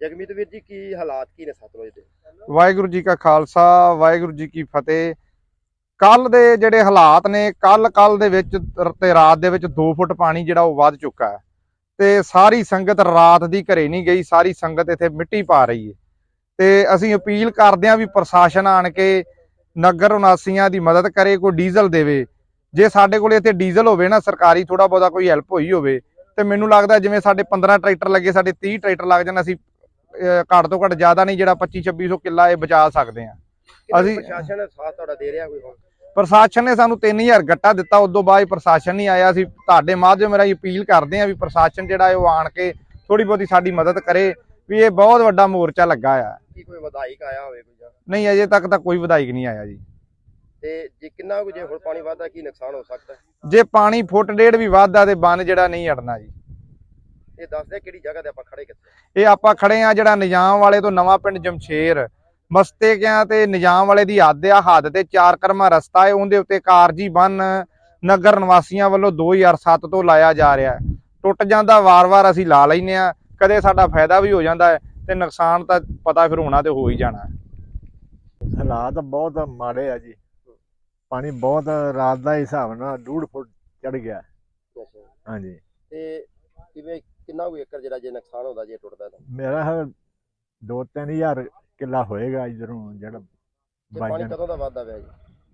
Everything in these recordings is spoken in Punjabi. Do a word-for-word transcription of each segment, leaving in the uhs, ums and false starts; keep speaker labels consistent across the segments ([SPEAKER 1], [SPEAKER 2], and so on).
[SPEAKER 1] ਜਗਮੀਤ ਵੀਰ ਜੀ ਕੀ ਹਾਲਾਤ ਕੀ ਨੇ ਸਤਲੁਜ ਦੇ?
[SPEAKER 2] ਵਾਹਿਗੁਰੂ ਜੀ ਕਾ ਖਾਲਸਾ ਵਾਹਿਗੁਰੂ ਜੀ ਕੀ ਫਤਿਹ। ਕੱਲ ਦੇ ਜਿਹੜੇ ਹਾਲਾਤ ਨੇ, ਕੱਲ ਕੱਲ ਦੇ ਵਿੱਚ ਤੇ ਰਾਤ ਦੇ ਵਿੱਚ ਦੋ ਫੁੱਟ ਪਾਣੀ ਜਿਹੜਾ ਉਹ ਵੱਧ ਚੁੱਕਾ ਹੈ ਤੇ ਸਾਰੀ ਸੰਗਤ ਰਾਤ ਦੀ ਘਰੇ ਨਹੀਂ ਗਈ, ਸਾਰੀ ਸੰਗਤ ਇੱਥੇ ਮਿੱਟੀ ਪਾ ਰਹੀ ਹੈ। ਤੇ ਅਸੀਂ ਅਪੀਲ ਕਰਦੇ ਹਾਂ ਵੀ ਪ੍ਰਸ਼ਾਸਨ ਆਣ ਕੇ ਨਗਰ ਨਿਵਾਸੀਆਂ ਦੀ ਮਦਦ ਕਰੇ, ਕੋਈ ਡੀਜ਼ਲ ਦੇਵੇ। ਜੇ ਸਾਡੇ ਕੋਲ ਇੱਥੇ ਡੀਜ਼ਲ ਹੋਵੇ ਨਾ ਸਰਕਾਰੀ, ਥੋੜਾ ਬਹੁਤਾ ਕੋਈ ਹੈਲਪ ਹੋਈ ਹੋਵੇ ਤੇ ਮੈਨੂੰ ਲੱਗਦਾ ਜਿਵੇਂ ਸਾਡੇ ਪੰਦਰਾਂ ਟਰੈਕਟਰ ਲੱਗੇ, ਸਾਡੇ ਤੀਹ ਟਰੈਕਟਰ ਲੱਗ ਜਾਣ, ਅਸੀਂ ਘੱਟ ਤੋਂ ਘੱਟ ਜ਼ਿਆਦਾ ਨਹੀਂ ਜਿਹੜਾ ਪੱਚੀ ਛੱਬੀ ਸੌ ਕਿੱਲਾ ਇਹ ਬਚਾ ਸਕਦੇ ਹਾਂ। ਅਸੀਂ
[SPEAKER 1] ਪ੍ਰਸ਼ਾਸਨ ਸਾਥ ਤੁਹਾਡਾ ਦੇ ਰਿਹਾ ਕੋਈ? ਹੁਣ
[SPEAKER 2] ਪ੍ਰਸ਼ਾਸਨ ਨੇ ਸਾਨੂੰ ਤਿੰਨ ਹਜ਼ਾਰ ਗੱਟਾ ਦਿੱਤਾ, ਉਦੋਂ ਬਾਅਦ ਪ੍ਰਸ਼ਾਸਨ ਨਹੀਂ ਆਇਆ। ਅਸੀਂ ਤੁਹਾਡੇ ਮਾਧਿਅਮ ਰਾਹੀਂ ਅਪੀਲ ਕਰਦੇ ਹਾਂ ਵੀ ਪ੍ਰਸ਼ਾਸਨ ਜਿਹੜਾ ਹੈ ਉਹ ਆਣ ਕੇ ਥੋੜੀ ਬਹੁਤੀ ਸਾਡੀ ਮਦਦ ਕਰੇ ਵੀ ਇਹ ਬਹੁਤ ਵੱਡਾ ਮੋਰਚਾ ਲੱਗਾ ਆ।
[SPEAKER 1] ਕੀ ਕੋਈ ਵਿਧਾਇਕ ਆਇਆ ਹੋਵੇ ਕੋਈ?
[SPEAKER 2] ਨਹੀਂ, ਅਜੇ ਤੱਕ ਤਾਂ ਕੋਈ ਵਿਧਾਇਕ ਨਹੀਂ ਆਇਆ ਜੀ।
[SPEAKER 1] ਤੇ ਜੇ ਕਿੰਨਾ ਕੁ ਜੇ ਹੁਣ ਪਾਣੀ ਵੱਧਦਾ ਕੀ ਨੁਕਸਾਨ ਹੋ ਸਕਦਾ?
[SPEAKER 2] ਜੇ ਪਾਣੀ ਫੁੱਟ ਡੇਢ ਵੀ ਵੱਧਦਾ ਤੇ ਬੰਨ ਜਿਹੜਾ ਨਹੀਂ ਅੜਨਾ ਜੀ।
[SPEAKER 1] ਇਹ ਦੱਸਦੇ ਕਿਹੜੀ ਜਗ੍ਹਾ ਤੇ ਆਪਾਂ ਖੜੇ ਕਿੱਥੇ?
[SPEAKER 2] ਇਹ ਆਪਾਂ ਖੜੇ ਆ ਜਿਹੜਾ ਨਿਜ਼ਾਮ ਵਾਲੇ ਤੋਂ ਨਵਾਂ ਪਿੰਡ ਜਮਸ਼ੇਰ ਮਸਤੇਕਿਆਂ ਤੇ ਨਿਜ਼ਾਮ ਵਾਲੇ ਦੀ ਹੱਦ ਆ। ਹੱਦ ਤੇ ਚਾਰ ਕਰਮਾ ਰਸਤਾ ਹੈ, ਉਹਦੇ ਉੱਤੇ ਕਾਰਜੀ ਬੰਨ ਨਗਰ ਨਿਵਾਸੀਆਂ ਵੱਲੋਂ ਦੋ ਹਜ਼ਾਰ ਸੱਤ ਤੋਂ ਲਾਇਆ ਜਾ ਰਿਹਾ। ਟੁੱਟ ਜਾਂਦਾ ਵਾਰ-ਵਾਰ, ਅਸੀਂ ਲਾ ਲੈਨੇ ਆ, ਕਦੇ ਸਾਡਾ ਫਾਇਦਾ ਵੀ ਹੋ ਜਾਂਦਾ ਹੈ ਤੇ ਨੁਕਸਾਨ ਤਾਂ ਪਤਾ ਫਿਰ ਹੋਣਾ ਤੇ ਹੋ ਹੀ ਜਾਣਾ।
[SPEAKER 3] ਹਾਲਾਤ ਬਹੁਤ ਮਾੜੇ ਆ ਜੀ। ਪਾਣੀ ਬਹੁਤ ਰਾਤ ਦਾ ਹਿਸਾਬ ਨਾਲ ਡੂਢ ਫੁੱਟ ਚੜ ਗਿਆ। ਹਾਂਜੀ।
[SPEAKER 1] ਤੇ ਕਿਵੇਂ ਕਿੰਨਾ ਕੁ ਏਕੜ ਜਿਹੜਾ ਜੇ ਨੁਕਸਾਨ ਹੁੰਦਾ ਜੇ ਟੁੱਟਦਾ ਤਾਂ?
[SPEAKER 3] ਮੇਰਾ ਦੋ ਤਿੰਨ ਹਜ਼ਾਰ ਕਿੱਲਾ ਹੋਏਗਾ ਇਧਰੋਂ ਜਿਹੜਾ
[SPEAKER 1] ਪਾਣੀ ਕਦੋਂ ਦਾ ਵੱਧਦਾ ਪਿਆ ਜੀ?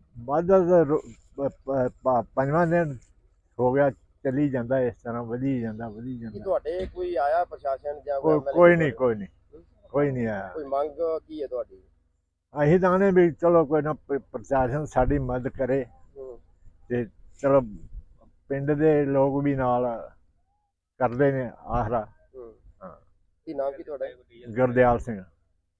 [SPEAKER 3] ਵੱਧਦਾ ਪੰਜਵਾਂ ਦਿਨ ਹੋ ਗਿਆ, ਚੱਲੀ ਜਾਂਦਾ ਇਸ ਤਰ੍ਹਾਂ, ਵਧੀ ਜਾਂਦਾ ਵਧੀ ਜਾਂਦਾ।
[SPEAKER 1] ਤੁਹਾਡੇ ਕੋਈ ਆਇਆ ਪ੍ਰਸ਼ਾਸਨ ਜਾਂ
[SPEAKER 3] ਕੋਈ ਕੋਈ ਨਹੀਂ ਕੋਈ ਨਹੀਂ ਕੋਈ ਨਹੀਂ ਆਇਆ।
[SPEAKER 1] ਕੋਈ ਮੰਗ ਕੀ ਹੈ ਤੁਹਾਡੀ?
[SPEAKER 3] ਅਸੀਂ ਤਾਂ ਆਨੇ ਵੀ ਚਲੋ ਕੋਈ ਨਾ ਪ੍ਰਸ਼ਾਸਨ ਸਾਡੀ ਮਦਦ ਕਰੇ ਤੇ ਚਲੋ ਪਿੰਡ ਦੇ ਲੋਕ ਵੀ ਨਾਲ ਕਰਦੇ ਨੇ ਆਸਰਾ।
[SPEAKER 1] ਕੀ ਨਾਮ ਕੀ ਤੁਹਾਡਾ?
[SPEAKER 3] ਗੁਰਦਿਆਲ ਸਿੰਘ।